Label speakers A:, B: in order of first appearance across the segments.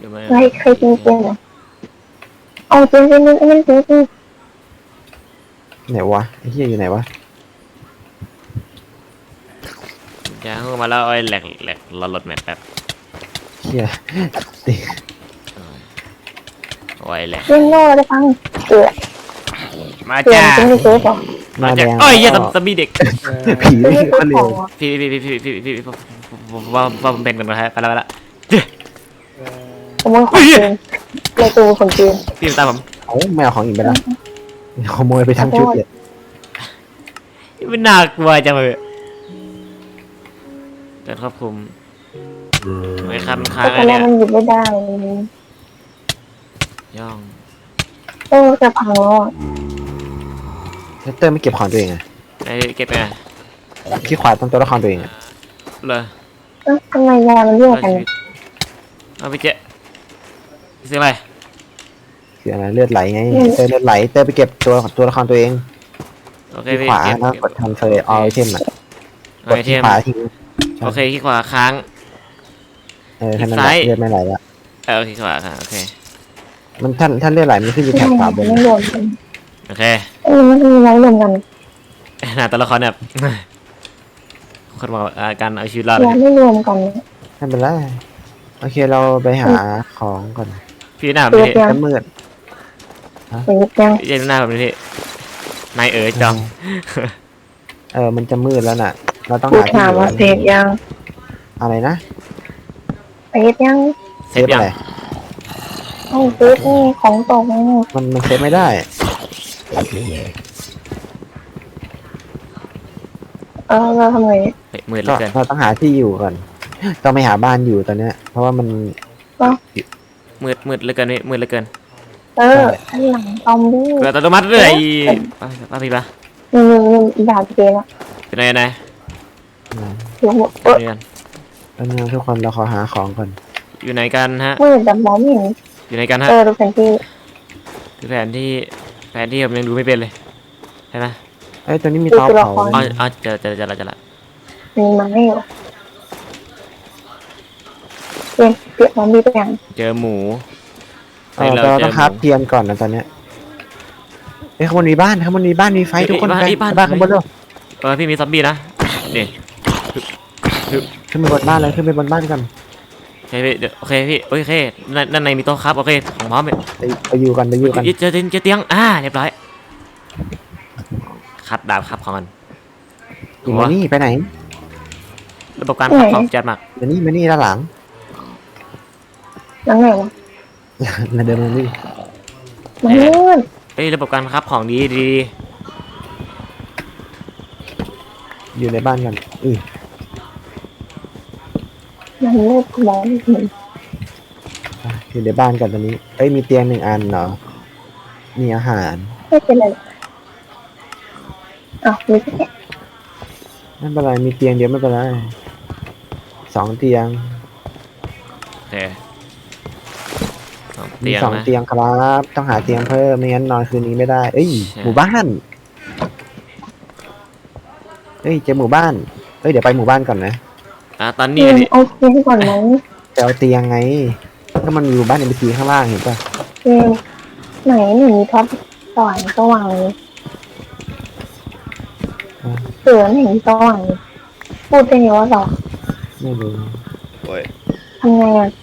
A: เคยกินเกมเหรอเอาเกมนึงอันนั้นเกม
B: ไหนวะไอ้เหี้ยอยู่ไหนวะ
C: อย่าเข้ามาแล้วไอ้แหลกเราลดแมปแป๊บ
B: เหี้ย
C: โอ้ยแหลก
A: เล่นโน่ได้ฟังเออ
C: มา
A: เกม
C: จ้า
A: เป็นเกมเหรอ
B: มาแด
C: จ้าง โอ้ยอย่าตำบี้เด็ก
B: ผี
A: ไม่
B: นี่
A: ได้
B: ก็
A: ข
B: เร็
A: อ
B: ว
A: ง
C: พี่ว่าผมเป็นกันนะฮะไปแล้ว
A: ขโมยของเกมเลยตัวของเกม
C: พี่ตามผม
B: เอาไม่เอาของอีกไปแล้วขโมยไปทั้งชุดเลย
C: ไม่น่ากลัวจังเลยการควบคุมไม่คันค้าง
A: แต่
C: อะไร
A: ตอนแร
C: เนี่ย
A: กมันหยิบไม่ได้
C: ย่อง
A: จะพังแล้วอ่ะ
B: เตอร์ไม่เก็บของตัวเองอะ
C: ไอ้เก็บไง
B: ขี้ขวาต้นตัวละครตัวเองอะ
C: เลย
A: ทำไมยามันเยอะกัน
C: เอาไปเจ๊ซื้ออะไร
B: คืออะไรเลือดไหลไงเตอร์เลือดไหลเตอร์ไปเก็บตัวละครตัวเอง
C: โอเค
B: ขี้
C: พี่
B: ขวา
C: เก็บ
B: นะกดทันเฟอร์ออไอเทมอะกด
C: ไอเท
B: ขี้
C: ม
B: ขวาทิ้ง
C: โอเคขี้ขวาค้าง
B: แค่นั้นแหละเลือดไม่ไหลละ
C: โอเคขวาค่ะโอเค
B: มันท่านเลือดไหลมันขึ้นอยู่แถบขวาบน
A: ไม่รวมกัน
C: โอเค
A: มันมีไว้รวมกัน
C: หน้าตัวละครแบบคนบอกการเอาชีวิตรอด
A: ยาไม่รวมกัน
B: ไม่เป็นไรโอเคเราไปหาของก่อน
C: พี่หน้าแบบนี้
B: จะมืด
A: เป็นยัง
C: เย็นหน้าแบบนี้นายจอม
B: มันจะมืดแล้วน่ะ เราต้อง
A: กู
B: หาที่
A: ถาม
B: อยู่
A: ว่าเซฟยัง
B: อะไรนะ
A: เซฟยัง
C: เซฟยัง
B: อะไร
A: ต้องเซฟนี่ของตก
B: มันเซฟไม่ได้
A: เราทำไง
C: มืดเหลื
B: ก็
C: อเกิน
B: เราต้องหาที่อยู่ก่อนต้องไปหาบ้านอยู่ตอนเนี้ย เพราะว่ามัน
C: มืดเหลือเกินมืดเหลือเกิน
A: ข้างหลังซอมบี้
C: เกิดอัตโนมัติเลยป้าพี่ป้า
A: อีดาบเกมอ่ะ
C: เป็นไงนาย
A: อยู่หมด
C: นี่กัน
B: ตอนนี้ทุกคนเราขอหาของก่อน
C: อยู่ไหนกันฮะ
A: มืดแต่มองไม่เห็น
C: อยู่ไหนกันฮะ
A: ดูแผนที่
C: คือแผนที่ผมยังดูไม่เป็นเลยใช่ไหม
B: เอ้ยตอนนี้มีเตาเผา
C: อ๋อเจอละ
A: มีไม้อยู่เปลี่ยนซอมบี้ไปยัง
C: เจอหมู
B: เราต้องคราฟเทียนก่อนนะตอนเนี้ยเอ้ยข้างบนมีบ้านมีไฟทุกคนไปบ้านข้างบนเร็ว
C: พี่มีซอมบี้นะนี่
B: ขึ้นไปบนบ้านเลยขึ้นไปบนบ้านกัน
C: โอเคพี่โอเคพี่โอเคนั่นในมีโต๊ะครับโอเคของพร้อมเลย
B: ไปอยู่กัน
C: เจอเตียงเรียบร้อยคัดดาบครับของมัน
B: อยู่มานี่ไปไหน
C: ระบบการขับของจัดมาก
B: มานี่ด้านหลัง
A: ยังไงวะ
B: เดินมานี่
A: มันมืด
C: เอ้ยระบบการขับของดี
B: อยู่ในบ้านกัน
A: มันมืดมองไม่เห็น
B: อยู่ในบ้านกันตอนนี้เอ้ยมีเตียง1 อันเหรอมีอาหาร
A: ไม่เป็นไรมีแค่
B: ไม่เป็นไรมีเตียงเดียวไม่เป็นไร2 เตียง
C: โอเค
B: มี
C: เตียง
B: 2
C: นะ
B: เตียงครับต้องหาเตียงเพิ่มไม่งั้นนอนคืนนี้ไม่ได้เอ้ยหมู่บ้านเอ้ยเจอหมู่บ้านเอ้ยเดี๋ยวไปหมู่บ้านก่อนนะ
C: ตอนนี้
A: โอเคก่อนไหม
B: จะเอาเตียงไงก็มันอยู่บ้านในบีซีข้างล่างเห็นป่ะ
A: ไหนมีท็อปสว่างสว่างเสือไหนสว่างพูดได้ไงว่าเรา
B: ไม่รู้
A: ทำไงอ่ะ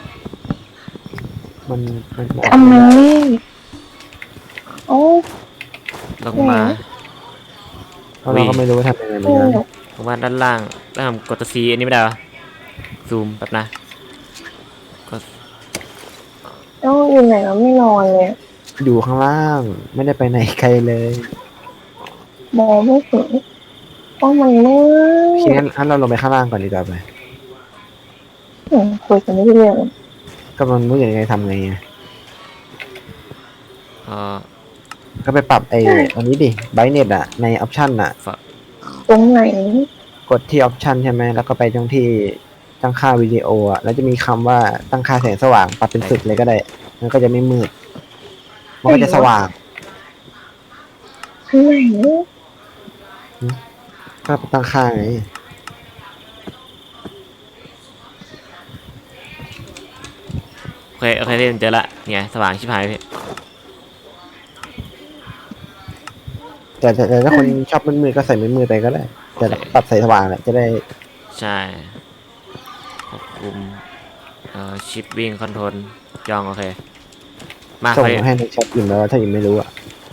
B: มัน
A: ทำไมโอ้
C: ลงมา
B: เพราะเราก็ไม่รู้ว่าทำยังไงเหมือนกัน
C: ลงมาด้านล่างแล้วกดตัว C อันนี้ไม่ได้หรอซูมแบบนะกด
A: อยู่ไหนเราไม่นอนเลย
B: อยู่ข้างล่างไม่ได้ไปไหนไกลเลย
A: มองไม่เห็นต้องมันมืด
B: ทีนั้นเราลงไปข้างล่างก่อนดีกว่าไป
A: คุยกันไม่ได้เรื่อง
B: ก็มันรู้ยังไงทำไงอะ
C: เอ่อ
B: ก็ไปปรับอันนี้ดิไบเน็ตอะในออปชันอะ
A: ตรงไหน
B: กดที่ออปชันใช่ไหมแล้วก็ไปตรงที่ตั้งค่าวิดีโออะแล้วจะมีคำว่าตั้งค่าแสงสว่างปรับเป็นสุดเลยก็ได้มันก็จะไม่มืดมันก็จะสว่าง
A: ข้างไหน
B: ก็ตั้งค่าไง
C: โอเคโอเคพี่เจอละเนี่ยสว่างชิบหายพี่
B: แต่ถ้าคนชอบมืดๆก็ใส่มืดๆไปก็ได้แต่ปรับใส่สว่างแหละจะได้
C: ใช่ควบคุมชิปวิ่งคอนโทรลย่องโอเคมา
B: ส่ง
C: ไป
B: ให้ในแชทอิ่มแล้วถ้าอิ่มไม่รู้อ่ะ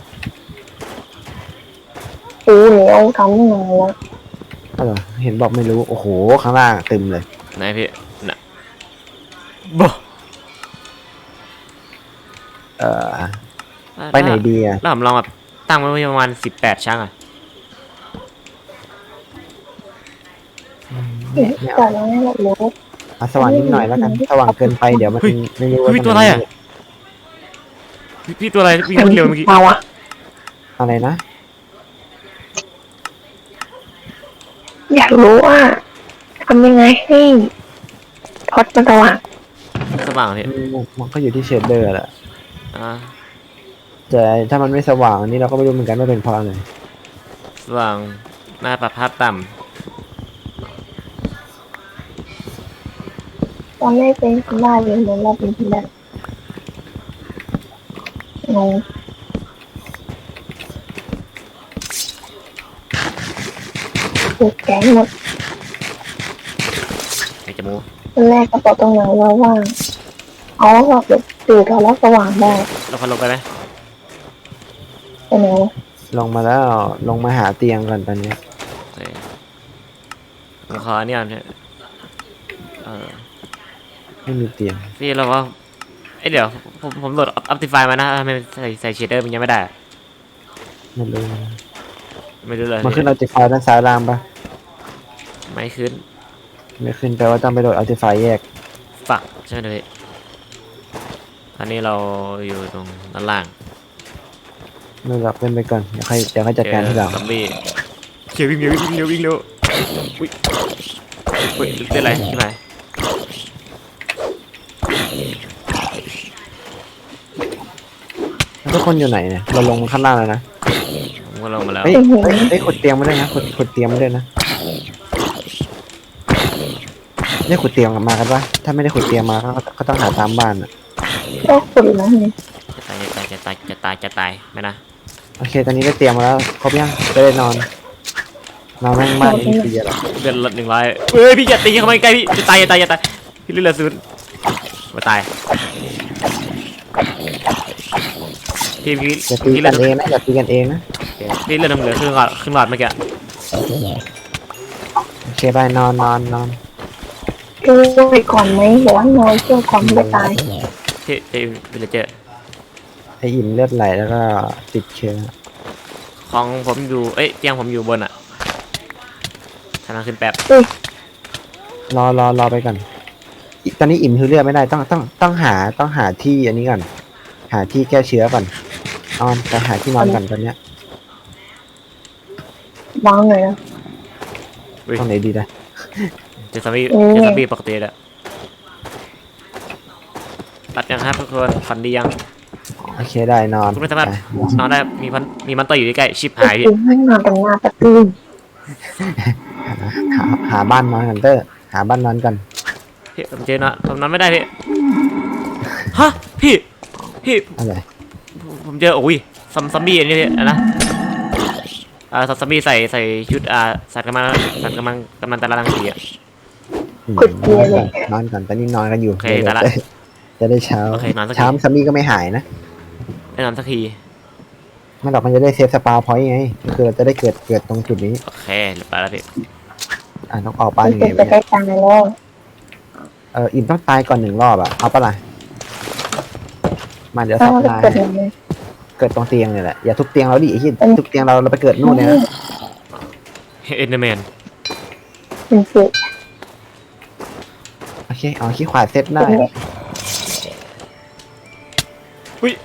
A: ปูเหนียวทำยังไงแล้ว
B: ก็เหรอเห็นบอกไม่รู้โอ้โหข้างล่างเต็มเลย
C: ไหนพี่น่ะบ่
B: เอ่อไปไหนดีอ่ะ
C: แล้วผมลองแบบตั้งไว้ประมาณ18ชั้งอ่ะ
A: แต่เราไม่รู้
B: เอาสว่างนิดหน่อยแล้วกันสว่างเกินไปเดี๋ยวมันไม่รู้ว่า
C: พี่ตัวอะไรอ่ะพี่ตัวอะไรวิ่งเร็วเมื่อกี้
A: เราอะ
B: อะไรนะ
A: อยากรู้ว่าทำยังไงให้พอดมันสว่าง
C: สว่างพี่
B: มันก็อยู่ที่เชดเดอร์แหละ
C: อ่า
B: แต่ถ้ามันไม่สว่างอันนี้เราก็ไม่รู้เหมือนกันว่าเป็นเพราะอะไร
C: สว่างหน้าปรับภาพต่
A: ตอนแรกเป็นคนบ้าเลยเหมือนเราเป็นคนแบบงงถูกแก๊งหมด
C: ำไอ้จมูก
A: ตอนแรกกระเป๋าตรงไหนว่าว่างเอาแบบตื่นแล้วสว่างได้
C: เราพันลงไปไหม
A: เป็นไง
B: ลงมาแล้วลงมาหาเตียงกันตอนเนี้ย
C: โอเคผมขอเนี่ยเนี่ยอ
B: ไม่มีเตียง
C: พี่เราว่าเอ้ยเดี๋ยวผมโหลด Optifine มานะทำไมใส่เชดเดอร์มันยังไม่ได้
B: ไม่รู้
C: ไม่รู้เลย
B: มันขึ้นเอาติฟายด้านซ้ายล่างปะ
C: ไม่ขึ้น
B: ไม่ขึ้นแปลว่าต้องไปโหลดเอาติฟายแยก
C: ฝักใช่ไหมพี่ตอนนี้เราอยู่ตรงด้านล่าง
B: ไม่หรอกเล่นไปก่อนเดี๋ยวค่อยจัดการทีหลัง
C: ซอมบี้เขียววิ่งเร็ววิ่งเร็ววิ่งเร็วอุ้ยอุ้ยเล่นอะไรใช่ไหม
B: แล้วทุกคนอยู่ไหนเนี่ยเราลงข้างล่างแล้วนะ
C: ผมก็ลงมาแล้ว
B: เฮ้ยขุดเตียงมาด้วยนะขุดเตียงมาด้วยนะเนี่ยขุดเตียงมากันปะถ้าไม่ได้ขุดเตียงมาก็ต้องหาตามบ้านอ่ะ
A: ก็ขุดแล้วไง
C: จะตายไม่นะ
B: โอเคตอนนี้ได้เตียงมาแล้วครบยังจะได้นอนแม่งบ้านนี้คืออะไร
C: เดือนละ100เฮ้ยพี่อย่าตีเข้ามาใกล้พี่จะตายพี่เลือดศูนย์มาตายพี่
B: อย่าตี
C: พี่เลื
B: กั
C: อด
B: นเองนะอย่าตีกันเองนะ
C: พี่เลือดน้ำเหลือครึ่งหลอดเมื่อกี้
B: โอเคไปนอน
A: ดูไปก่อนไหมหรือว่านอนช่วงก่อนไม่ตาย
C: พี่วิลเลเจอร์
B: ไออิ่มเลือดไหลแล้วก็ติดเชื้อ
C: ของผมอยู่เอ้ยเตียงผมอยู่บนอ่ะทางขึ้นแป๊บ
B: รอไปก่อนตอนนี้อิ่มคือเลือดไม่ได้ต้องหาที่อันนี้ก่อนหาที่แก้เชื้อก่อนนอนไปหาที่นอนก่อนตอนเนี้ยว
A: างเลยนะ
B: ตรงไหนดีนะ
C: เจอซอมบี้ปกติแล้วตัดยังครับทุกคนฝันดียัง
B: โอเคได้นอน
C: คุณไม่สามารถนอนได้มีมันต่ออยู่ใกล้ๆชิบหายพี่
A: ถึงให้นอนตรงหน้าประตู
B: หาบ้านนอนกันเตอร์หาบ้านนอนกัน
C: พี่ผมเจอนะผมนอนไม่ได้พี่ฮะพี่
B: อะไร
C: ผมเจอโอ้ยซอมบี้อันนี้พี่นะซอมบี้ใส่ชุดสัตว์กำลังตะลังสีอ่ะ
A: ขุดเกียร์เลย
B: นอนก่อนตอนนี้นอนกันอยู่
C: โอเคแต่ละ
B: จะได้เช้า
C: โอเคนอนสักที
B: เช้าซัมมี่ก็ไม่หายนะ
C: ได้นอนสักที
B: ไม่หรอกมันจะได้เซฟสปาพอยต์ไงก็คือเราจะได้เกิดตรงจุดนี้
C: โอเคเรียบร้อยแล้วพี่
B: ต้องออกบ้าน
A: มัน
B: ยัง
A: เป็
B: ไง
A: นไป
B: วะ
A: ได้
B: เนี่ย
A: ตายแล้ว
B: อิ่มต้องตายก่อน1 รอบอ่ะเอาปะล่ะมาเดี๋ยว
A: ถ้า
B: สับ
A: มัน
B: นาย
A: เกิดอะไร
B: เกิดตรงเตียงเลยแหละอย่าทุบเตียงเราดิไอ้ที่ทุบเตียงเราไปเกิดนู่นเลยนะ
C: เอ็นเดอร์แมน
A: มันเกิด
B: โอเคเอาขี้ขวาเซตได้
C: อุ้ย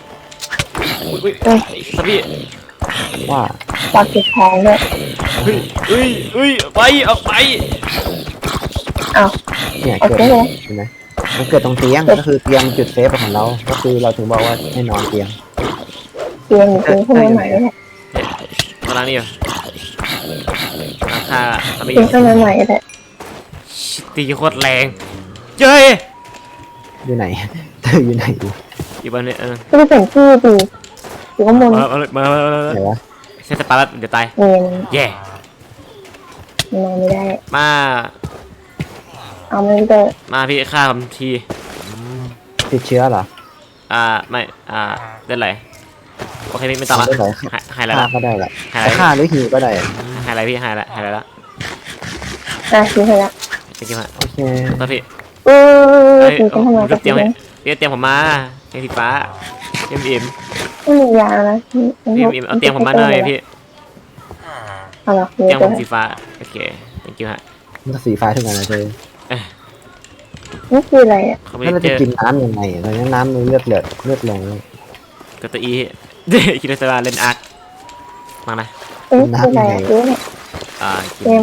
C: ซอมบี้
B: ว่า
A: ปากติดท้องเลย
C: ไปเอาไป
A: อ้าว
B: เนี่ย
A: โอ
B: เกิด
A: เคเลย
B: เห็นไหมมันเกิดตรงเตียงก็คือเตียงจุดเซฟของเราก็คือเราถึงบอกว่าให้นอนเตียง
A: เตียงอยู่ตรงข้างในไหนเนี่ย
C: ตารางนี่อยู่ราคาซอมบี้
A: เตียงข้างในไหนเลย
C: ตีโคตรแรงเจ้ย
B: อยู่ไหน เธออยู่ไหนอยู่
C: อยู่บนเนี่ย
A: ก็ไปเปลี่ยนที่ดีอยู่ข้างบน
C: มา
B: ไหนวะ
C: เซตสปาร์ตเดี๋ยวตาย
A: เนียน
C: แย่
A: นอนไม่ได้
C: มา
A: เอาไม่ได้
C: มาพี่ฆ่าผมที
B: ติดเชื้อเหรอ
C: ไม่ได้ไรโอเคไม่ต้องละ
B: ได้ไหน
C: หายแล้ว
B: ฆ่าก็ได้แหละ
C: หาย
B: แต่ฆ่าหรือหิวก็ได้
C: หายอะไรพี่หายแล้วหายแล้ว
A: คิดให้ละ
C: จริงๆฮะ
B: โอเค
C: ตัวพี่
A: เออ
C: เฮ้ย
A: ตีกันทำไมกับ
C: เตรี
A: พี่
C: ยม
A: เนี่ย
C: เตรียมผมมาเตรียมสีฟ้าเตรียมอิ่ม
A: ไม่มียานะ
C: อิ่มเอาเตรียมผมมาหน่อยพี่
A: เอาหรอ
C: เตรียมผมสีฟ้าโอเค thank you ฮะ
B: มันก็สีฟ้าทุกอันนะเธอ
A: นี่คืออะไรอ่ะ
C: เขาไม่
B: แล้วเรา
C: เจ
B: จะ
C: อ
B: กินน้ำยังไงตอนนี้น้ำมันเลือดลงแล้ว
C: กับตัวอีคิดว่าจะเล่นอาร์คมานะ
A: นี่คืออะไรอ่ะรู้เนี่ย
C: กิน
A: เกม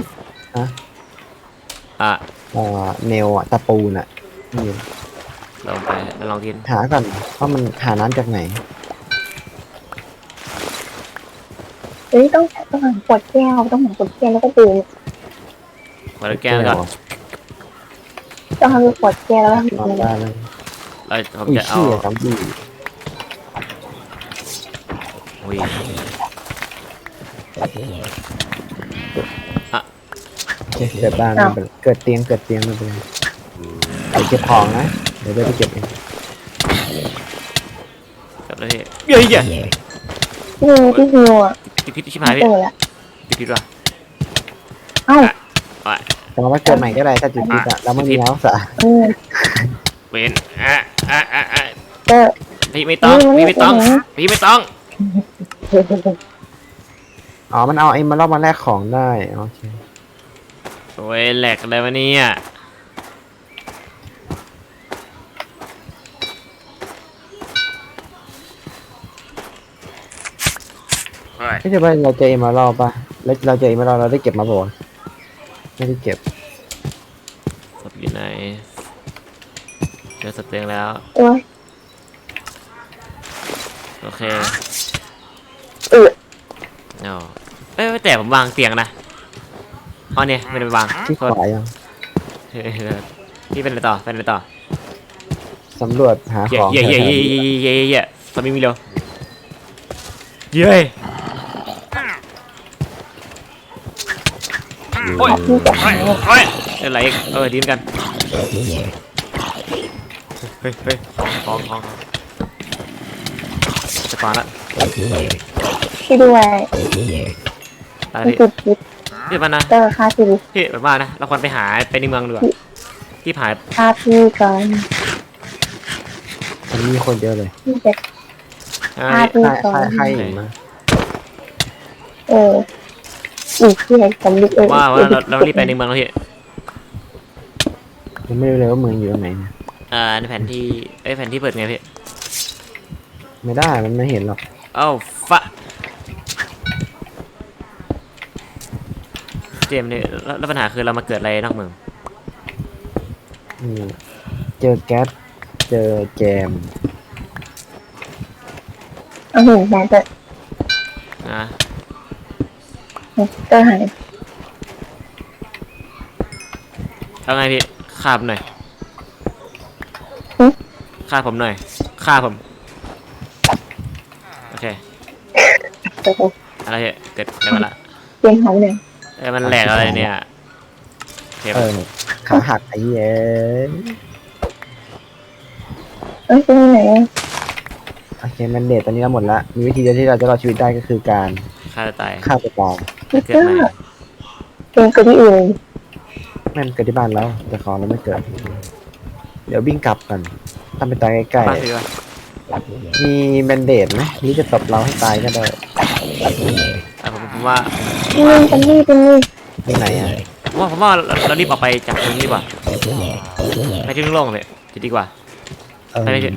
B: เนลอะตะปูน่ะนี่
C: ลองไปลองกิน
B: หาก่อนว่ามันหาน้ำจากไหน
A: เฮ้ยต้องหาขวดแก้วต้องหาขวดแก้วแล้วก็ดื่ม
C: ขวดแก้วแล้วก็
A: ต้องทำขวดแก้วแล้ว
B: ลองได้เลย
C: ผม
B: อุ้ย
C: จะเอา
B: เชี่ยซอมบี้
C: อุ้ย
B: โอเคเกิดบ้านไม่เป็นไรเกิดเตียงไม่เป็นไรไปเก็บของนะเดี๋ยวไปเก็บเอง
C: กับแล้วพี่เฮ้ย
A: นี่ที่ฮิวอ่ะ
C: ติดพิษชิบหายพี่
A: เจอละ
C: ติดพิษว่ะ
A: เอ้า
B: แต่ว่าเกิดใหม่ก็ได้ถ้าจิตพิษอะแล้วไม่มีน้ำสา
C: เวน
A: เจอ
C: พี่ไม่ต้องพี่ไม่ต้องพี่ไม่ต้อง
B: อ๋อมันเอาไอ้มาลอกมาแลกของได้โอเค
C: โอ้ยแหลกอะไรวะเนี่ยเฮ้ย
B: ไม่ใช่ว่าเราเจอเอมาลอกป่ะแล้วเราเจอเอมาลอกเราได้เก็บมาบ่ไม่ได้เก็บ
C: ศพอยู่ไหนเจอศพเตียงแล้ว
A: โอ้ย
C: โอเค
A: เออ
C: เอาแต่ผมวางเตียงนะอ๋อเนี่ยไม่ได้ไปวาง
B: ที่
C: โท
B: ข
C: ษ
B: วายัง
C: พี่เป็นอะไรต่อเป็นอะไรต่อ
B: สำรวจหา
C: เย่
B: ของ
C: เย่เย่
B: แถว
C: เย่
B: ๆนี้
C: เย่เย่เย่สามีมีเร็วเย้โอ้ย
A: พี่จับ
C: โอ้ยโอ้ยอะไรอีกดีเหมือนกันเฮ้ยของจะปาละ
A: พี่ด้วย
C: ตาย
A: พี่
C: พี่
A: ติดพิษ
C: พี่มานะ
A: เจอค่าชีวิต
C: พี่แบบว่านะเราควรไปหาไปในเมืองดีกว่าที่ผา
A: ค่าพี่ก่อน
B: มันมีคนเยอะเลย
A: พี่จะค่าพี่ก่อน
B: ใครอีกมา
A: อีกที่ไหนสำลิด
C: ว่าเรารีบไปในเมืองแล้วพี่
B: ยังไม่รู้เลยว่าเมืองอยู่ตรงไหนเนี่ย
C: ในแผนที่แผนที่เปิดไงพี่
B: ไม่ได้มันไม่เห็นหรอก
C: เอ้าฟะเจมส์เนี่ยแล้วปัญหาคือเรามาเกิดอะไรนอกเมือง
B: อืมเจอแก๊สเจอแจม
A: เอาหินแทนเจอ
C: นะ
A: เจอหาย
C: เอาไงพี่ฆ่าผมหน่อยฆ่าผมหน่อยฆ่าผมโอเค
A: เจอ
C: อะไรพี่เกิดมาละ
A: เตียงหายเลย
C: มันแหลกอะไรเนี่ยโอเค
B: ขาหักไอ้เย้ย
A: เป็นไหน
B: โอเคมันเดทตอนนี้เราหมดละมีวิธีเดียวที่เราจะรอดชีวิตได้ก็คือการ
C: ฆ่าตัวตาย
B: ฆ่าตัวตาย
A: พี่
C: เกิด
A: เจ้า
C: ใหม่
A: เตียงก็ที่อื่น
B: แม่นเกิดที่บ้านแล้วแต่ของเราไม่เกิด เดี๋ยววิ่งกลับกันทำไปตายใกล้
C: มาสิวะ
B: ๆมีแบนเดดไหมหรือจะตบเราให้ตายก็ได้
C: ผมว่า
A: นี่เป็นนี่เป็นนี่
B: ที่ไหนอ่ะ
C: ผมว่าเรารีบออกไปจากตรงนี้ดีกว่าไปที่โล่งๆเลยจะดีกว่า
B: เออ
C: ไปเลยพี่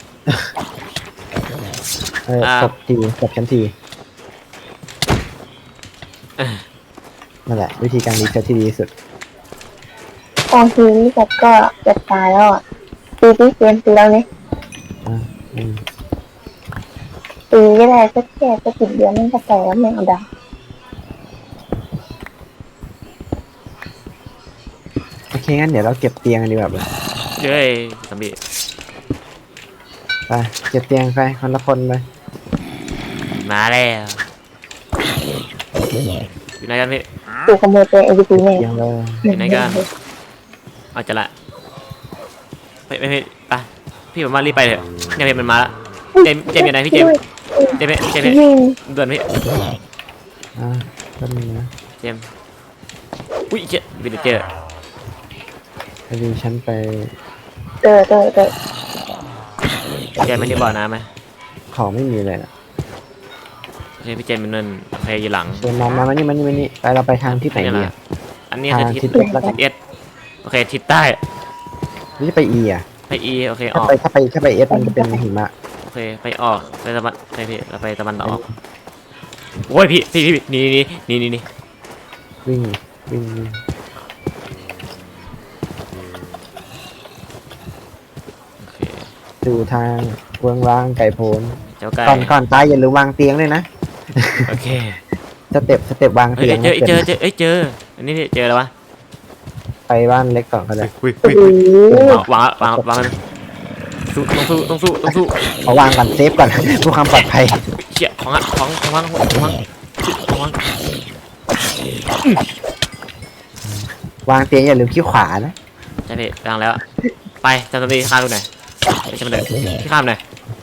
B: ตบฉันทีนั่นแหละวิธีการรีเซ็ตที่ดีที่สุด
A: ตอนทีนี้แต่ก็จะตายแล้วอ่ะตีที่เตียงตีแล้วเนี่ย
B: อ่าอืม
A: ตีก็ได้สักแค่สัก10 เดือนมันก็แก่แล้วไม่เอาดาว
B: โอเคงั้นเดี๋ยวเราเก็บเตียงกันดีกว่า
C: เย้ยซอมบี้
B: ไปเก็บเตียงไปคนละคนเลย
C: มาแล้วอยู่ไหนกันพี่
A: ถูกขโมยตัวเอวีพีแน่
B: เตียงเลย
C: อยู่ไหนกันเอาจะละไม่ไปพี่ผมว่ารีบไปเถอะเนี่ยพี่มันมาแล้วเจมส์อยู่ไหนพี่เจมส์
A: ยิง
C: ด่วนพี่
B: อ่าแป๊บนึงนะ
C: เจมส์อุ้ยเจ๊วินเจอร์
B: พอดีฉันไป
A: เตอ
C: เจมส์ไม่ได้บ่อน้ำไหม
B: ของไม่มีเลยนะ
C: โอเคพี่เจมส์มันนั่นโอเคอยู่หลัง
B: เดินมานี่ไปเราไปทางที่ไหน
C: นี่
B: ดี
C: แหละ
B: อะ
C: อันนี้
B: ทาง
C: คือทิศ
B: ทิศเอสแล้วกัน
C: เอสโอเคทิศใต้
B: หรือจะไปอีอ่ะ
C: ไปอีโอเคอ
B: ถ้า
C: อก
B: ไปเอสมันจะเป็นหิมะ
C: โอเคไปออกไปตะวันไปพี่เราไปตะวันออกโอ้ยพี่นี่
B: วิ่ง
C: โอเค
B: สู่ทางเวงวางไก่โพน
C: เจ้าไก่
B: ก่อนตายอย่าลืมวางเตียงด้วยนะ
C: โอเค
B: สเต็ปวาง
C: เฮ้ย
B: เตียง
C: เจออันนี้เจอแล้ววะ
B: ไปบ้านเล็กก่อนก็ได้
C: อุ้ย
A: โอ้โห
C: วางต้องสู้
B: เอาวางก่อนเซฟก่อน เพื่อความปลอดภัย
C: เชี่ยของวาง
B: วางเตียงอย่าลืมขี้ขวานะ
C: ใช่พี่วางแล้วไปจำตัวดีข้ามดูหน่อยไม่ใช่มันเด็กที่ข้ามหน่อย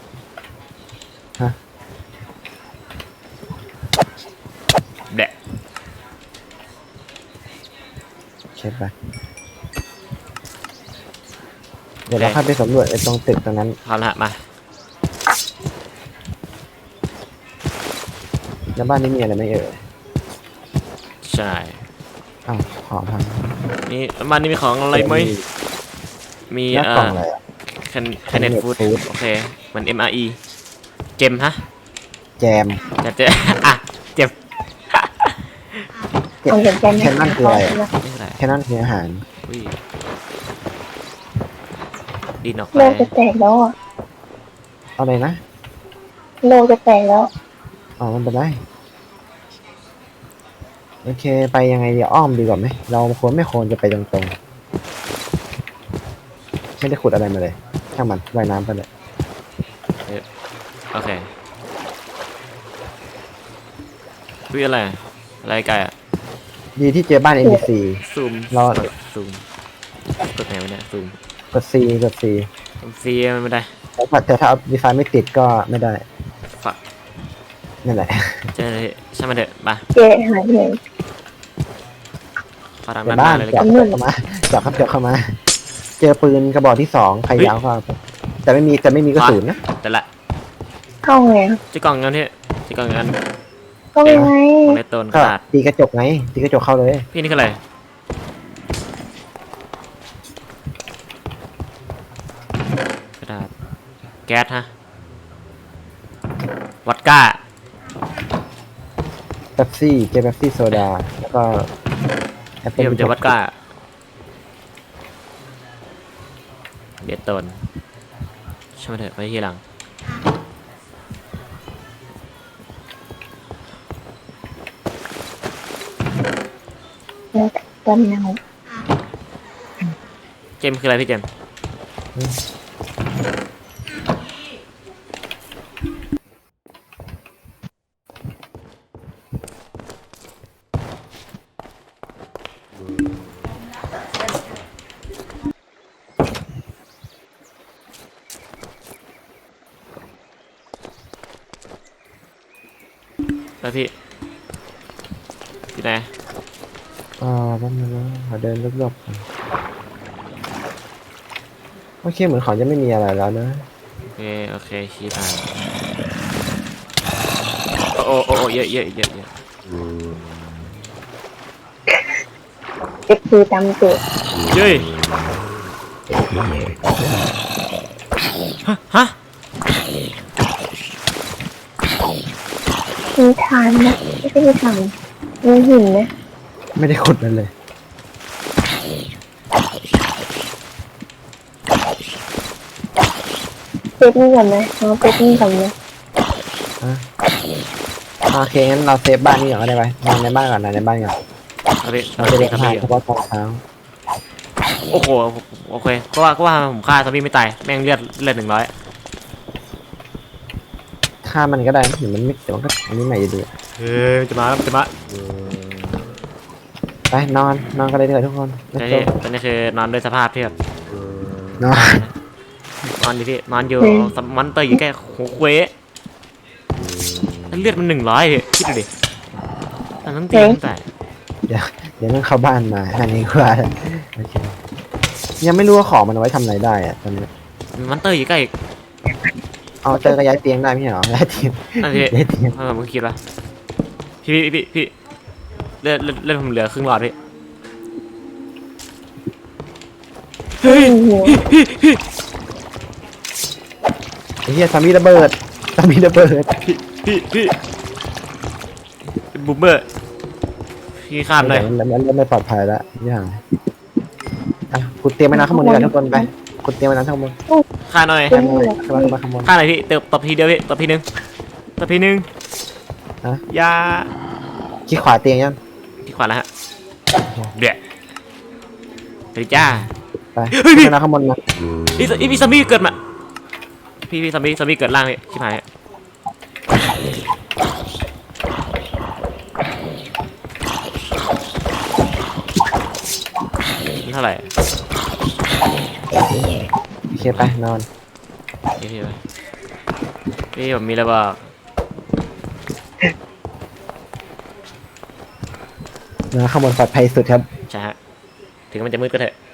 C: แดะ
B: เช็ดไปเดี๋ยวเราเข้าไปสำรวจไอ้ตรงตึกตรงนั้น
C: พร้อมแล้วมา
B: แล้วบ้านนี้มีอะไรไหมเอ่ย
C: ใช่
B: อ้าวขอพัง
C: นี่มันนี่มีของอะไรไหมมี
B: แล้วกล่องอะไรอ่ะ
C: แคนเนตฟู้ดโอเคมัน MRE เจมฮะ
B: แจม
C: เจอ่ะเจม
A: ของสนใจไหม
B: แค่นั่นคืออะไรอะ
C: นี่คืออะไร
B: แค่นั้นคืออาหาร
C: อุ้ยดินออกไป
A: โลกจะแตกแล้วอ่ะ
B: เอาเลยนะ
A: โลกจะแตกแล้ว
B: อ๋อมันเป็นไรโอเคไปยังไงดีอ้อมดีกว่าไหมเราไม่ควรจะไปตรงๆไม่ได้ขุดอะไรมาเลยช่างมันว่ายน้ำไปเลย
C: โอเคอุ้ยอะไรไก่อะ
B: ดีที่เจอบ้าน NPC
C: ซูม
B: รอ
C: ซูมกดไหนวะเนี่ยซูม
B: กด C
C: ซีมันไม่ได้
B: แต่ถ้าเอาดีไฟไม่ติดก็ไม่ได้
C: ฝัก
B: นั่นแหละ
C: เจอเลยช่างมันเถอะมา
A: เจหายไปไหน
C: ขอทาง
B: ใน
C: ด้านห
B: บ้า
C: น้าน เลย
B: จั
C: กับ น
B: เข้ามาจับเข้ามา เจอปืนกระบอกที่2ใครยาวก็เอาไปแต่ไม่มีกระสุนนะ
C: แต่ละ
A: เข้าไงอะ
C: ที่กล่องกันที่กล่องกัน
A: เข้ายังไง
C: ของในต้นก
B: ก็
C: ระดาษ
B: ตีกระจกไงตีกระจกเข้าเลย
C: พี่นี่คืออะไรกระดาษแก๊สฮะวอดก้า
B: เป๊ปซี่เจอเป๊ปซี่โซดาแล้วก็แอปเปิ้
C: พี่
B: ล
C: ผมเจอวอดก้าเบียดต้นช่างมันเถอะไปทีหลัง
A: แล้วตอนเนา
C: เจมส์คืออะไรพี่เจมส์ แล้วพี่อยู่ไหน
B: แป๊บนึงนะขอเดินรอบๆก่อนโอเคเหมือนเขาจะไม่มีอะไรแล้วนะ
C: โอเคชี้ทางโอ้เยอะ
A: เอ็กซ์จำจุด
C: เย้ยฮะ
A: มีฐานนะไม่ใช่มีฐานมีหินนะ
B: ไม่ได้ขุดนั่นเลย
A: เซฟนี่ก่อนไหมเอาเซฟนี่ก่อนไหม
B: โอเคงั้นเราเซฟบ้านนี้ก่อนก็ได้ไปนอนในบ้านก่อนนอนในบ้านก่อน
C: เอาพี่
B: เราจะได้
C: ซอม
B: ทาน
C: บี้
B: เฉพาะตอนเช้า
C: โอ้โหโอเคก็ว่าผมฆ่าซอมบี้ไม่ตายแม่งเลือด100
B: ฆ่ามันก็ได้เห็นมันไม่แต่มันก็อันนี้ใหม่อยู่ดี
C: เฮ้ยจะมาแล้วจะมา
B: ไปนอนนอนกันเลยเถอะทุกคน
C: ตอนนี้ตอนนี้คือนอนด้วยสภาพที่แบบ
B: นอน
C: นอนอยู่ที่นอนอยู่มอนเตอร์อยู่แค่หัวเควเลือดมัน100พี่คิดดูดิมันต้องตีตั้งแต่
B: เดี๋ยวต้องเข้าบ้านมาอันนี้กว่าโอเคยังไม่รู้ว่าของมันเอาไว้ทำอะไรได้อะตอนนี้
C: มอนเตอร์อยู่ใกล้อีก
B: เอาเจอกระย้ายเตียงได้ไม่ใช่เหรอย้ายเตียง
C: นั่นพี่
B: ย้ายเตียง
C: ผมก็คิดว่าพี่เลือดผมเหลือครึ่งหลอดพี่
A: เฮ้ย
B: ไอ้เหี้ยสามีระเบิดสามีระเบิด
C: พี่เป็นบูมเบอร์พี่ข้ามเลย
B: มันเริ่มไม่ปลอดภัยแล้วนี่ห่างอ่ะคุณเตรียมไว้นะข้างบนดีกว่าทุกคนไปคุณเตรียมไว้นะข้างบน
C: ฆ่าหน่อย
B: ข้างบนข้างบน
C: ฆ่าหน่อยพี่ตบทีเดียวพี่ตบทีนึง
B: ฮะ
C: ยา
B: ขี้ขวาเตียงยัง
C: ที่ขวาแล้วฮะเดี๋ยวไปดิจ้า
B: ไปขึ้นมาข้างบนมา
C: พี่ซอมบี้เกิดมาพี่ซอมบี้เกิดล่างพี่ชิบหายเท่าไหร่
B: โอเคไปนอน
C: พี่ผมมีอะไรบอก
B: นอนข้างบนปลอดภัยสุดครับ
C: ใช่ฮะถึงมันจะมืดก็เถอะ